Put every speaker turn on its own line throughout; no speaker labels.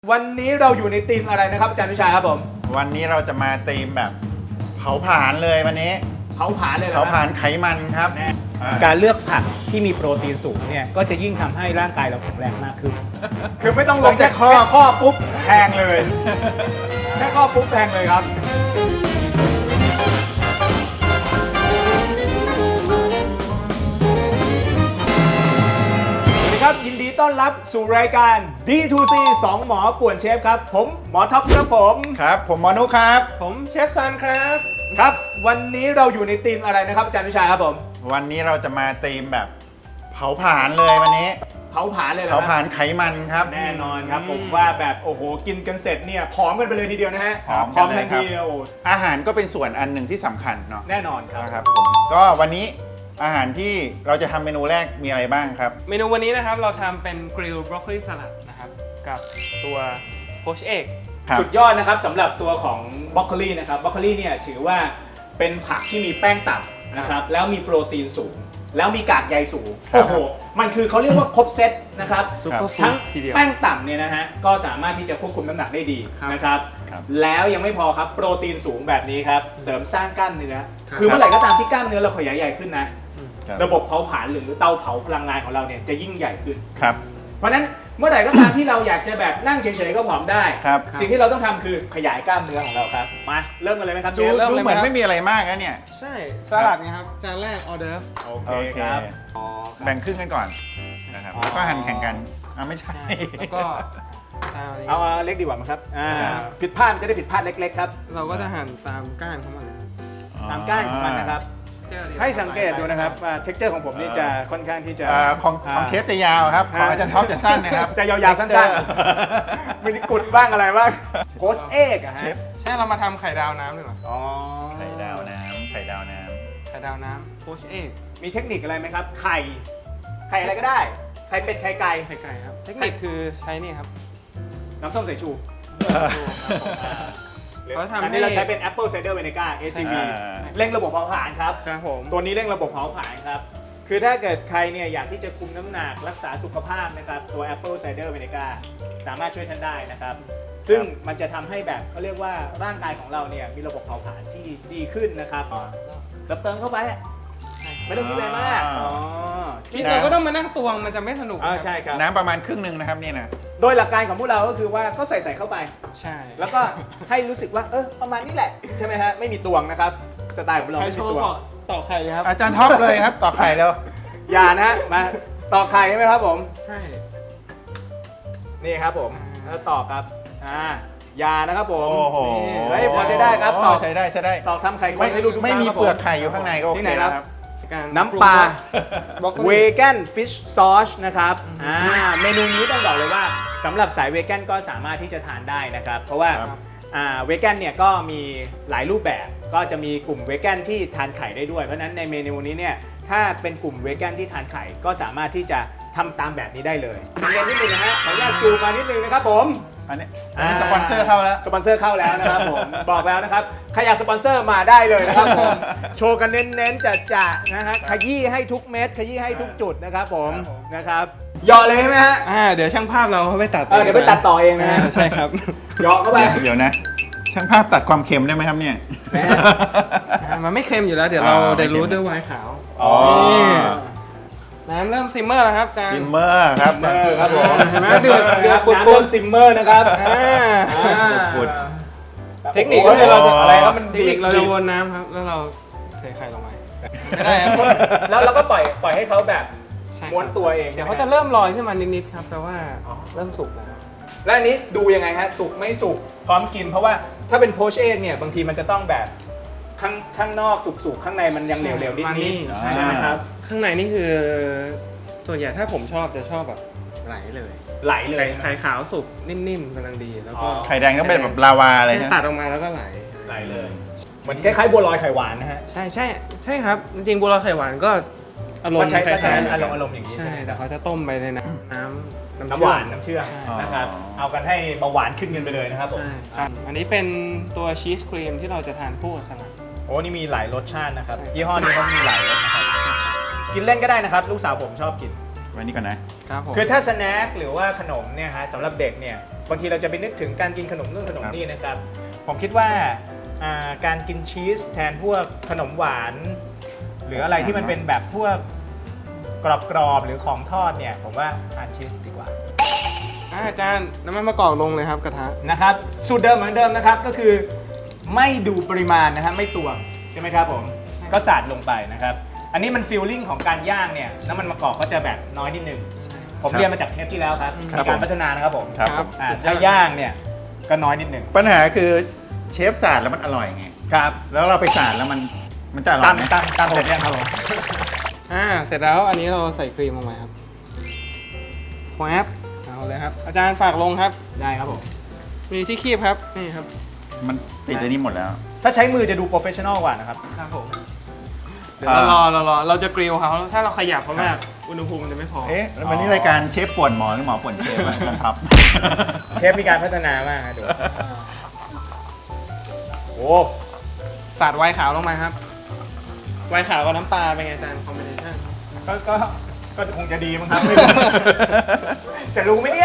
วันนี้เราอยู่ในธีมอะไรนะครับอาจารย์วิชาครับผม
วันนี้เราจะมาธีมแบบเผาผลาญเลยวันนี้
เผาผลาญเลยเหรอ
เผาผลาญไขมันครับ
การเลือกผักที่มีโปรตีนสูงเนี่ยก็จะยิ่งทำให้ร่างกายเราแข็งแรงมากขึ้น
คือไม่ต้องลงแค่ข้อปุ๊บแทงเลยแค่ข้อปุ๊บแทงเลยครับสวัสดีครับยินดีต้อนรับสู่รายการ D2C 2 หมอป่วนเชฟครับผมหมอท็อปครับผม
ครับผมหมอนุครับ
ผมเชฟซันครับ
ครับวันนี้เราอยู่ในธีมอะไรนะครับอาจารย์วิชาครับผม
วันนี้เราจะมาธีมแบบเผาผลาญเลยวันนี้
เผาผลาญเลยเหรอ
เผาผลาญไขมันครับ
แน่นอนครับผมว่าแบบโอ้โหกินกันเสร็จเนี่ยผอมกันไปเลยทีเดียวนะฮะ
ผอม
ทันทีโอ้
อาหารก็เป็นส่วนอันหนึ่งที่สำคัญเนาะ
แน่นอนครับ
นะครับผมก็วันนี้อาหารที่เราจะทำเมนูแรกมีอะไรบ้างครับ
เมนูวันนี้นะครับเราทำเป็นกริลบรอกโคลีสลัดนะครับกับตัวโพชเอก
สุดยอดนะครับสำหรับตัวของบรอกโคลีนะครับบรอกโคลีเนี่ยถือว่าเป็นผักที่มีแป้งต่ำนะครับแล้วมีโปรตีนสูงแล้วมีกากใยสูงโอ้โหมันคือเขาเรียกว่าครบเซตนะครับทั้งแป้งต่ำเนี่ยนะฮะก็สามารถที่จะควบคุมน้ำหนักได้ดีนะครับแล้วยังไม่พอครับโปรตีนสูงแบบนี้ครับเสริมสร้างกล้ามเนื้อคือเมื่อไหร่ก็ตามที่กล้ามเนื้อเราขยายใหญ่ขึ้นนะระบบเผาผลาญหรือเตาเผาพลังงานของเราเนี่ยจะยิ่งใหญ่ขึ้น
ครับ
เพราะฉะนั้นเมื่อไหร่ก็ตามที่เราอยากจะแบบนั่งเฉยๆก็ผอมได้สิ่งที่เราต้องทำคือขยายกล้ามเนื้อของเราครับมาเริ่มกันเลยไหมครับ
ดูเหมือนไม่มีอะไรมากนะเนี่ย
ใช่สลัดไงครับจานแรกออเดิร์ฟ
โอเคครับ
แบ่งครึ่งกันก่อนนะครับแล้วก็หั่นแข่งกันไม่ใช่
แล้วก็
เอาเล็กดีกว่ามั้งครับผิดพลาดจะได้ผิดพลาดเล็กๆครับ
เราก็จะหั่นตามก้านของมัน
ตามก้านของมันนะครับให้สังเกตดูนะครับว่าเท็กเจอร์ของผมนี่จะค่อนข้างที่จะ
ของเชฟจะยาวครับของอาจารย์ท็อปจะสั้นนะครับ
จะยาวๆสั้นๆมีกุดบ้างอะไรบ้างโค้ชเอกอะฮะ
ใช่เรามาทำไข่ดาวน้ำดีกว่า
ไข่ดาวน้ำ
ไข่ดาวน้ำโพชเอก
มีเทคนิคอะไรไหมครับไข่อะไรก็ได้ไข่เป็ดไข่ไก่
ครับเทคนิคคือใช้นี่ครับ
น้ำส้มสายชูอันนี้เราใช้เป็น Apple Cider Vinegar ACV เร่งระบบเผาผลาญครับตัวนี้เร่งระบบเผาผลาญครับคือถ้าเกิดใครเนี่ยอยากที่จะคุมน้ำหนักรักษาสุขภาพนะครับตัว Apple Cider Vinegar สามารถช่วยท่านได้นะครับซึ่งมันจะทำให้แบบเขาเรียกว่าร่างกายของเราเนี่ยมีระบบเผาผลาญที่ดีขึ้นนะครับเติมเข้าไปไม่ต้องคิดอะไรมาก
คิดเราก็ต้องมานั่งตวงมันจะไม่สนุก
ใช่ครับ
น้ำประมาณครึ่งหนึ่งนะครับนี่นะ
โดยหลักการของพวกเราก็คือว่าก็ใส่เข้าไป
ใช่
แล้วก็ให้รู้สึกว่าประมาณนี้แหละใช่ไหมฮะไม่มีตวงนะครับสไตล์ของเราไม่มีตวง
ต่อไข่เลยครับ
อาจารย์ท็อปเลยครับต่อไข่แล้ว
อย่านะมาต่อไข่ใช่ไหมครับผม
ใช่
นี่ครับผมแล้วต่อครับยานะครับผม
โอ้โห
พอใช้ได้ครับต่อ
ใช้ได้
ต่อทำไข่คนให้ดู
ไม่มีเปลือกไข่อยู่ข้างในก็โอเคแล้วครับ
น้ำปลาเวแกนฟิชซอสนะครับเมนูนี้ต้องบอกเลยว่าสำหรับสายเวแกนก็สามารถที่จะทานได้นะครับเพราะว่าเวแกนเนี่ยก็มีหลายรูปแบบก็จะมีกลุ่มเวแกนที่ทานไข่ได้ด้วยเพราะฉะนั้นในเมนูนี้เนี่ยถ้าเป็นกลุ่มเวแกนที่ทานไข่ก็สามารถที่จะทำตามแบบนี้ได้เลยเรียนนิดนึงนะฮะขออนุญาตซูมมานิดนึงนะครับผม
อันนี้สปอนเซอร์เข้าแล้ว
นะครับผมบอกแล้วนะครับใครอยากสปอนเซอร์มาได้เลยนะครับผมโชว์กันเน้นๆจัดๆนะฮะขยี้ให้ทุกเม็ดขยี้ให้ทุกจุดนะครับผมนะครับหยอเลยใช่ไหมฮะ
เดี๋ยวช่างภาพเราเขาไปตัด
เดี๋ยวไปตัดต่อเองนะฮะ
ใช่ครับ
หยอเข้าไป
เดี๋ยวนะช่างภาพตัดความเค็มได้ไหมครับเนี่ย
มันไม่เค็มอยู่แล้วเดี๋ยวเราได้รู้ด้วยไวน์ขาวน้ำเริ่มซิมเมอร์แล้วครับอาจารย์
ซิมเมอร์ครับ
ผมเดือดปุดซิมเมอร์นะครับ
ปุด
เทคนิคเราจะอะไรครับมันเทคนิคเราจะวนน้ำครับแล้วเราเทไข่ลงไป
แล้วเราก็ปล่อยให้เขาแบบม้วนตัวเอง
เดี๋ยวเขาจะเริ่มลอยขึ้นมานิดๆครับแปลว่าเริ่มสุกแล้ว
และอันนี้ดูยังไงฮะสุกไม่สุกพร้อมกินเพราะว่าถ้าเป็นโพชเอกเนี่ยบางทีมันจะต้องแบบข้างนอกสุกๆข้างในมันยังเหลวๆนิดๆใช่ไหมครับ
ข้างในนี่คือส่วนใหญ่ถ้าผมชอบจะชอบแบบไหลเลยไข่ขาวสุกนิ่มๆกำลังดีแล้วก็
ไข่แดงต้องเป็นแบบลาวาเลย
ตัดออกมาแล้วก็ไหล
เลยเหมือนคล้ายๆบัวลอยไข่หวานนะฮะ
ใช่ครับจริงๆบัวลอยไข่หวานก็อารมณ์คล้าย
ๆอารมณ์อย่างนี้
ใช่แต่เขาจะต้มไปใน
น้ำหวานน้ำเชื่อมนะครับเอากันให้เบาหวานขึ้นกันไปเลยนะครับผม
อันนี้เป็นตัวชีสครีมที่เราจะทานคู่กับสลัด
โอ้นี่มีหลายรสชาตินะครับยี่ห้อนี้เขามีหลายรสนะครับกินเล่นก็ได้นะครับลูกสาวผมชอบกิน
วันนี้ก่อนนะครับ
ครับผม
คือถ้าสแน็คหรือว่าขนมเนี่ยฮะสำหรับเด็กเนี่ยบางทีเราจะไปนึกถึงการกินขนมนู่นขนมนี่นะครับผมคิดว่าการกินชีสแทนพวกขนมหวาน หรืออะไรที่มันเป็นแบบพวกกรอบๆหรือของทอดเนี่ยผมว่าทานชีสดีกว่า
อาจารย์น้ำมันมะกอกลงเลยครับกระทะ
นะครับสูตรเดิมเหมือนเดิมนะครับก็คือไม่ดูปริมาณนะครับไม่ตวงใช่ไหมครับผมก็สาดลงไปนะครับอันนี้มันฟีลลิ่งของการย่างเนี่ยน้ำมันมะกอกก็จะแบบน้อยนิดนึงผมเรียนมาจากเทปที่แล้วครับมีการพัฒนานะครับผม
ครับ
ครับ
ถ้าย่างเนี่ยก็น้อยนิดนึง
ปัญหาคือเชฟสาดแล้วมันอร่อยไง
ครับ
แล้วเราไปสาดแล้วมันจะอร่อยไหม
ตามเสร็จยังครับผม
เสร็จแล้วอันนี้เราใส่ครีมลงไปครับแควบเอาเลยครับ อาจารย์ฝากลงครับ
ได้ครับผม
มีที่คีบครับนี่ครับ
มันติดในนี้หมดแล้ว
ถ้าใช้มือจะดูโปรเฟชชั่นอลกว่านะครับ
ครับผมเดี๋ยวเราจะกริลเขาถ้าเราขยับเขามากอุณหภูมิมันจะไม่พอ
เอ๊ะแล้ววันนี้รายการเชฟป่วนหมอหรือหมอป่วนเชฟอะอาจารย์ท็อป
เชฟมีการพัฒนามากนะดูโอ้
สาดไวน์ขาวลงมาครับไวน์ขาวกับน้ำปลาเป็นไงอาจารย์คอมบิเนชั่น
ก็คงจะดีมั้งครับไม่รู้ จะรู้ไหมเนี่ย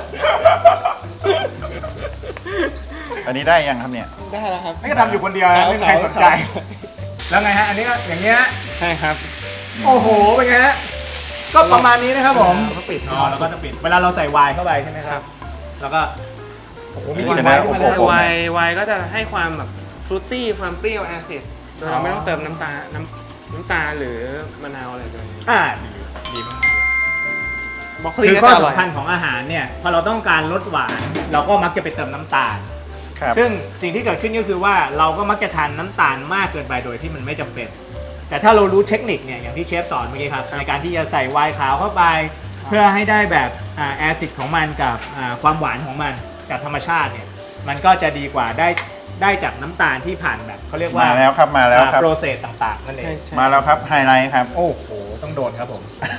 อันนี้ได้ยังครับเนี่ย
ได้แล้วครับ
ไม่ก็ทำอยู่คนเดียวนะไม่มีใครสนใจ แล้วไงฮะ อันนี้ก็อย่างเงี้ย
ใช่ครับ
โอ้โห เป็นไงฮะ ก็ประมาณนี้นะครับผม
แล้วก็ปิด
อ๋อแล้วก็จะปิด เวลาเราใส่ไวน์เข้าไปใช่ไหมครับ แล้วก็ โอ้โห มีกลิ่น
จะ
ไว
ได้
น์ขึ้นมาเลย
โอ้โห
ไวน์ก็จะให้ความแบบฟรุตตี้ความเปรี้ยวแอซิดโดยเราไม่ต้องเติมน้ำตาลหรือมะนาวอะไรเลย
ดีมากๆเลย
บล็อกโค
คื
ลี
อ
ก็
ข้อ
จะอร่อย
สำคัญของอาหารเนี่ย พอเราต้องการลดหวาน เราก็มักจะไปเติมน้ำตาล
ครับ
ซึ่งสิ่งที่เกิดขึ้นก็คือว่าเราก็มักจะทานน้ำตาลมากเกินไปโดยที่มันไม่จำเป็น แต่ถ้าเรารู้เทคนิคเนี่ยอย่างที่เชฟสอนเมื่อกี้ครับในการที่จะใส่ไวน์ขาวเข้าไป เพื่อให้ได้แบบแอซิดของมันกับความหวานของมันกับธรรมชาติเนี่ยมันก็จะดีกว่าได้จากน้ำตาลที่ผ่านแบบเขาเรียกว่า
มาแล้วครับมาแล้วครับ
โปรเซสต่างๆนั่นเอง
ใช่
มาแล้วครับไฮไลท์ครับ
โอ้โหต้องโดนครับผม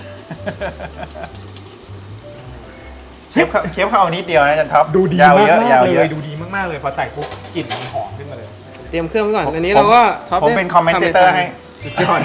เชฟเขาเอานิดเดียวนะอาจารย์ท็อป
ดูดี
ยาว
มาก
เยอะยาว
ๆ
เย
เล
อะ
ยดูดีมากๆเลยพอใส่ปุ๊บกลิ่นมันหอมขึ้นมาเลย
เตรียมเครื่องไว้ก่อนอันนี้เราก็ท็อป
ผมเป็นคอมเมนเตอร์ให้
สุดยอด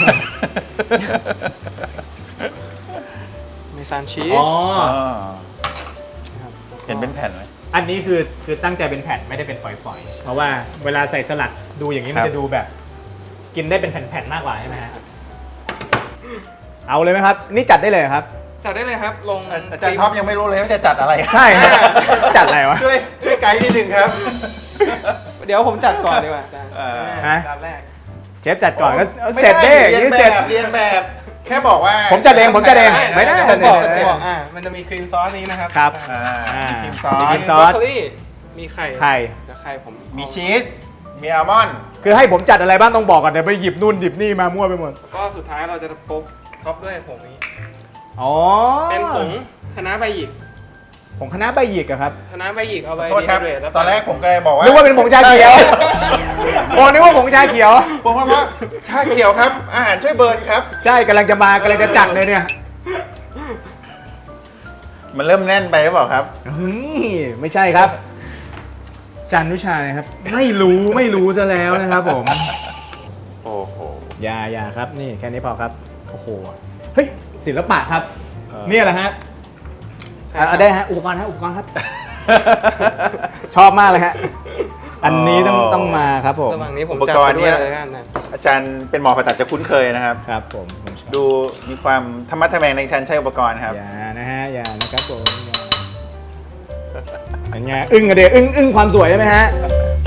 เมซานชี
อ๋
ส
อ
เห็นเป็นแผ่นไหม
อันนี้คือตั้งใจเป็นแผ่นไม่ได้เป็นฝอยๆ เพราะว่าเวลาใส่สลัดดูอย่างนี้มัน
ครับ
จะดูแบบ กินได้เป็นแผ่นๆมากกว่าใช่ไหมฮะเอาเลยไหมครับ นี่จัดได้เลยครับ
จัดได้เลยครับลง
อาจารย์ท็อปยังไม่รู้เลยว่าจะจัดอะไร
ใช่ฮะ จัดอะไรวะ
ช่วยไกด์นิดนึงครับ
เดี๋ยวผมจัดก่อนดีกว่าอาจารย์
ฮะ
จานแรก
เชฟจัดก่อนก็
ไม่
เสร็จเด้
เรี
อย ย่าง
น
นี้
แบ
เสร็จ
บเรียนแบบ แค่บอกว่า
ผมจัดเองผมจัดเองไม่ได้
ผมบอก
ไม่ได้
ผมบอกมันจะมีครีมซอสนี้นะครับ
ครับ
มีครีมซอ
มี
ส
ครีมซ
บ
อ
รอก
ส
โคลีมีไข่
ไข่
เดี๋ยวไข่ผม
มีชีสมีอัลมอนด์
คือให้ผมจัดอะไรบ้างต้องบอกก่อนเดี๋ยวไปหยิบนู่นหยิบนี่มามั่วไปหมด
แล้วก็สุดท้ายเราจะท็อปด้วยผงนี้
อ๋อ
เป็นผงคะน้าใบหยิก
ผงคณะใบหยิกอะครับ
คะน้าใบหยิกเอาไป
โทษครับ
ดีไฮเดทแล้ว
ตอนแรกผมก็เลยบอกว่า
นึกว่าเป็นผงชาเขียวโอ้นึกว่าผงชาเขียว
ผมว่าชาเขียวครับ อาหารช่วยเบิร์นครับ
ใช่กำลังจะจัดเลยเนี่ย
มันเริ่มแน่นไปหรือเปล่าครับ
ไม่ใช่ครับ จันนุชานะครับ ไม่รู้ซะแล้วนะครับผม
โอ้โห
อย่าครับนี่แค่นี้พอครับโอ้โหเฮ้ยศิลปะครับ
เออ
เนี่ยแหละฮะ
ใช่ครับ
ได้ฮะอุปกรณ์ครับ ชอบมากเลยฮะอันนี้ต้องมาครับผม
ระหว่างนี้ผม
อุป
จัด
กร
ไป
ณ์
ด้
เนี่
วย
ย
เลยกันนะ
อาจารย์เป็นหมอผ่าตัดจะคุ้นเคยนะครับ
ครับผมชอบ
ดูมีความธรรมะทแมงในการใช้อุปกรณ์ครับ
อย่านะฮะอย่านะครับผมอย่าเป็นไงอึ้งอะเดียอึ้งความสวยใช่ไหมฮะ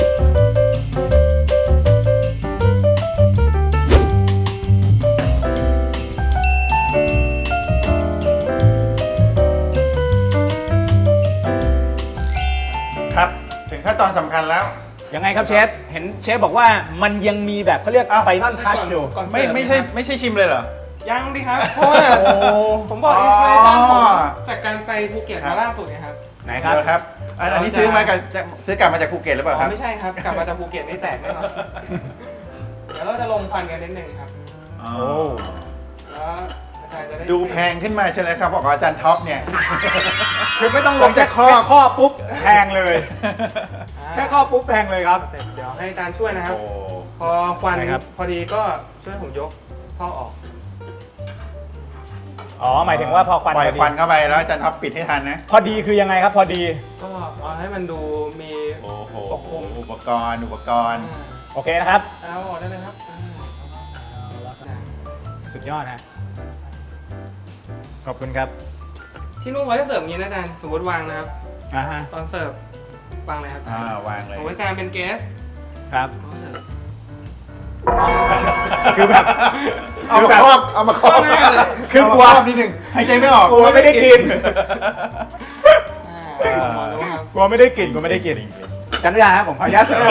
ครับ ถึงขั้นตอนสำคัญแล้ว
ยังไงครับเชฟเห็นเชฟบอกว่ามันยังมีแบบเขาเรียก
อ้าว
ไฟนอลทัชอยู่
ก่อน
ไม่ใช่ชิมเลยเหรอ
ยังดิครับ เพราะว่า
โอ้
ผมบอก
อ๋อ
อินสปิเรชั่นผมจากการไปภูเก็ตมาล่าสุดไงครับ
ไหนครับ
เดี๋ยวครับอันนี้ซื้อกลับมาจากภูเก็ตหรือเปล่า
อ๋
ครั
อบ ไม่ใช่ครับ กลับมาจากภูเก็ตนี่แตกแน่นอนเดี๋ยวเราจะลงควันกันนิดนึงครับ
อ๋อ
โอ้
แล้วอาจารย์จะได้
ดูแพงขึ้นมาใช่ไหมครับบอกว่าอาจารย์ท็อปเนี่ย
คือไม่ต้องลงแค่
แค่ข้อ
ข้อปุ๊บแพงเลย แค่ข้อปุ๊บแพงเลยครับ
เดี๋ยวให้อาจารย์ช่วยนะครับ
โอ้
พอควัน
ได้ครับ
พอดีก็ช่วยผมยกท่อออก
อ๋อหมายถึงว่าพอควัน
ปล่อย
พอดี
ควันเข้าไปแล้วอาจารย์ท็อปปิดให้ทันนะ
พอดีคือยังไงครับพอดี
ก็เอาให้มันดูมี
โอ้โห
ปกคลุม
อุปกรณ์
โอเคนะครับ
เอาออกได้เลยครับ
สุดยอดฮะขอบคุณครับ
ที่นู่นเขาจะเสิร์ฟอย่างนี้นะอาจารย์สมมติวางนะครับ
อ่าฮะ
ตอนเสิร์ฟวางเลยครับ
วางเล
ส
ย
มมติอาจารย์เป็นเกส
ครับ
เขาเสิร์ฟ
คือแบบ
เอามาครอบเอามาครอบ
คือกลัว
เามารบนิดนึงหายใจไม่ออก
กลัวไม่ได้กิน
หมอรู้ครับ
กลัวไม่ได้กินกลัวไม่ได้กินจันทยาครับผมขออนุญาตเสิร์ฟ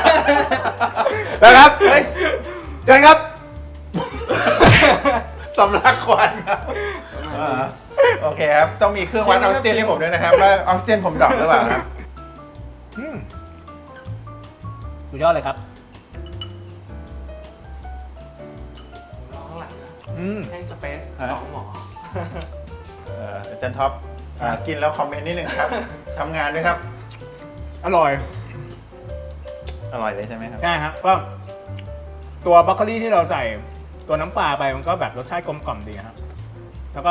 นะครับเฮ้ยเชิญครับ
สำลักควันครับโอเคครับ ต้องมีเครื่องวัดออกซิเจนให้ผมด้วยนะครับ ว่าออกซิเจนผมดรอปหรือเปล่าครับ
สุดยอดเลยครับ
รอข้างหลังนะ
อืม
ให้สเปซ
ฮะ
2หมอ
อาจารย์ท็อปกินแล้วคอมเมนต์นิดนึงครับทำงานด้วยครับ
อร่อย
อร่อยเลยใช่ไหมครับ
ใช่ครับก็ตัวบรอกโคลีที่เราใส่ตัวน้ำปลาไปมันก็แบบรสชาติกลมกล่อมดีครับ แล้วก็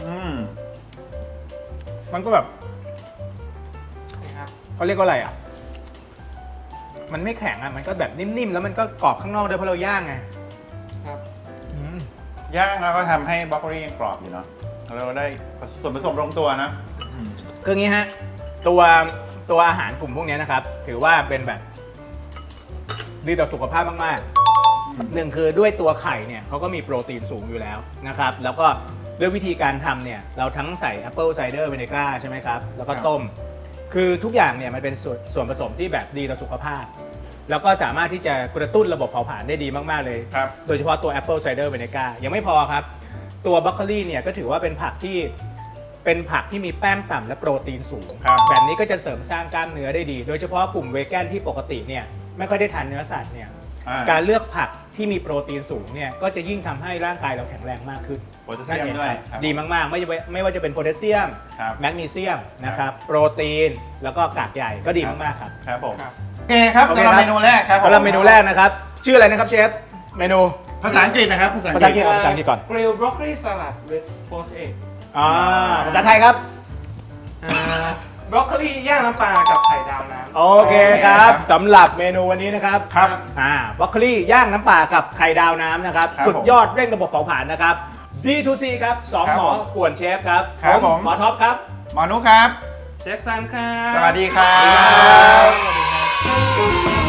มันก็แบบ
นี่ครับ
เขาเรียกว่าอะไรอ่ะ มันไม่แข็งอ่ะมันก็แบบนิ่มๆแล้วมันก็กรอบข้างนอกด้วยเพราะเราย่างไง
ครับ
อืม
ย่างแล้วก็ทำให้บรอกโคลียังกรอบอยู่เนาะแล้วเราได้ส่วนผสมลงตัวนะ
คืออย่างนี้ฮะตัวอาหารกลุ่มพวกนี้นะครับ ถือว่าเป็นแบบดีต่อสุขภาพมากๆหนึ่งคือด้วยตัวไข่เนี่ยเขาก็มีโปรตีนสูงอยู่แล้วนะครับ แล้วก็ด้วยวิธีการทำเนี่ยเราทั้งใส่ Apple Cider Vinegar ใช่ไหมครับ แล้วก็ต้ม คือทุกอย่างเนี่ยมันเป็นส่วนผสมที่แบบดีต่อสุขภาพ แล้วก็สามารถที่จะกระตุ้นระบบเผาผลาญได้ดีมากๆเลย
ครับ
โดยเฉพาะตัว Apple Cider Vinegar ยังไม่พอครับ ตัวบรอกโคลีเนี่ยก็ถือว่าเป็นผักที่มีแป้งต่ำและโปรตีนสูง
ครับ
แบบนี้ก็จะเสริมสร้างกล้ามเนื้อได้ดี โดยเฉพาะกลุ่มเวแกนที่ปกติเนี่ยไม่ค่อยได้ทานเนื้อสัตว์เนี่ย การเลือกผักที่มีโปรตีนสูงเนี่ยก็จะยิ่งทำให้ร่างกายเราแข็งแรงมากขึ้น
โพแทสเซียมด้วยครับ
ดีมากๆ ไม่ว่าจะเป็นโพแทสเซียม
ครับ
แมกนีเซียมนะครับโปรตีนแล้วก็กากใยก็ดีมากๆครับ
ครับผม
ครับ
โอเคครับ
โอเค
สำหรับ
ครับ
เมนูแรกครับ
สำหรับเมนูแรกนะครับ ชื่ออะไรนะครับเชฟเมนู
ภาษาอังกฤษนะครับภาษา
ภาษา
อั
อั
ง
ง
ก
ก
ฤ
ฤ
ษ
ษภาษาอังกฤษก่อน
Grill broccoli salad with poached egg
ภาษาไทยครับ
บรอกโคลีย่างน้ำปลากับไข่ดาวน้ำ
โอเคครับสำหรับเมนูวันนี้นะครับ
ครับ
บรอกโคลีย่างน้ำปลากับไข่ดาวน้ำนะครับ
ครับ
สุดยอดเร่งระบบเผาผลาญนะครับ D2C ครับสอง
ครับ
หมอ
ผม
ป่วนเชฟครับ
ครับผม
หมอท็อปครับ
หมอนุครับ
เชฟซันครับ
สวัสดีครับ
สวัสดีครับ